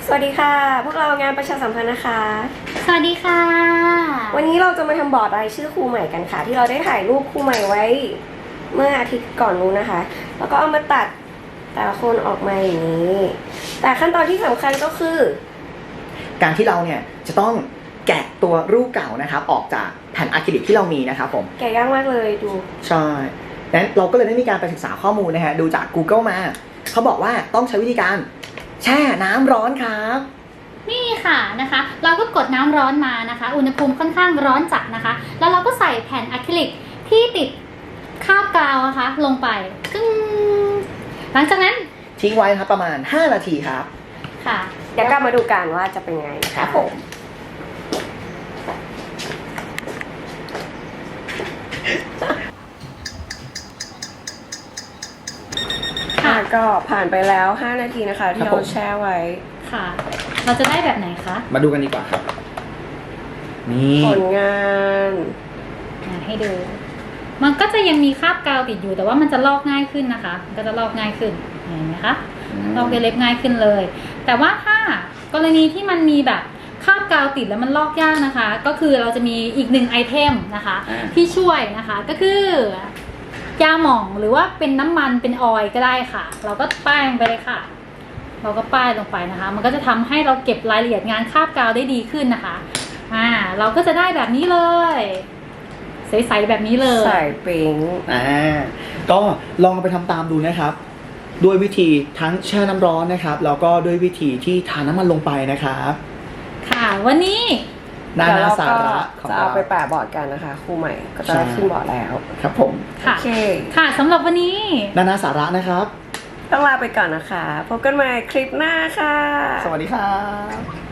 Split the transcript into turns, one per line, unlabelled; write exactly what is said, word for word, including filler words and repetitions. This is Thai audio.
สวัสดีค่ะพวกเรางานประชาสัมพันธ์นะคะ
สวัสดีค่ะ
วันนี้เราจะมาทำบอร์ดรายชื่อครูใหม่กันค่ะที่เราได้ถ่ายรูปครูใหม่ไว้เมื่ออาทิตย์ก่อนนู้นนะคะแล้วก็เอามาตัดแต่ละคนออกมาอย่างนี้แต่ขั้นตอนที่สำคัญก็คือ
การที่เราเนี่ยจะต้องแกะตัวรูปเก่านะครับออกจากแผ่นอะคริลิกที่เรามีนะครับผม
แกะยากมากเลยดู
ใช่ดังนั้นเราก็เลยได้มีการไปศึกษาข้อมูลนะฮะดูจาก Google มาเขาบอกว่าต้องใช้วิธีการแช่น้ำร้อนครับ
นี่ค่ะนะคะเราก็กดน้ำร้อนมานะคะอุณหภูมิค่อนข้างร้อนจัดนะคะแล้วเราก็ใส่แผ่นอะคริลิกที่ติดคราบกาวนะคะลงไปซึ่งหลังจากนั้น
ทิ้งไว้ครับประมาณห้านาทีครับ
ค่ะ
เดี๋ยวกลับมาดูกันว่าจะเป็นไงนะคะผมค่ะก็ผ่านไปแล้วห้านาทีนะคะที่เราแช่ไว้
ค่ะเราจะได้แบบไหนคะ
มาดูกันดีกว่าครับนี่
ผลงาน
ให้ดูมันก็จะยังมีคราบกาวติดอยู่แต่ว่ามันจะลอกง่ายขึ้นนะคะมันก็จะลอกง่ายขึ้นเห็นไหมคะลอกเล็บง่ายขึ้นเลยแต่ว่าถ้ากรณีที่มันมีแบบคราบกาวติดแล้วมันลอกยากนะคะก็คือเราจะมีอีกหนึ่งไอเทมนะคะที่ช่วยนะคะก็คือยาหม่องหรือว่าเป็นน้ำมันเป็นออยล์ก็ได้ค่ะเราก็ป้ายลงไปเลยค่ะเราก็ป้ายลงไปนะคะมันก็จะทำให้เราเก็บรายละเอียดงานคราบกาวได้ดีขึ้นนะคะอ่าเราก็จะได้แบบนี้เลยใสๆแบบนี้เลย
ใส่ปิ๊ง
อ่าก็ลองไปทำตามดูนะครับด้วยวิธีทั้งแช่น้ำร้อนนะครับแล้วก็ด้วยวิธีที่ทาน้ำมันลงไปนะครับ
ค่ะวันนี้
นานาสาระ
ของเราจะเอาไปแปะบอร์ดกันนะคะครูใหม่ก็จะขึ้นบอร์ดแล้ว
ครับผม
โอเคค่ะสำหรับวันนี้
นานาสาระนะครับ
ต้องลาไปก่อนนะคะพบกันใหม่คลิปหน้าค่ะ
สวัสดีครับ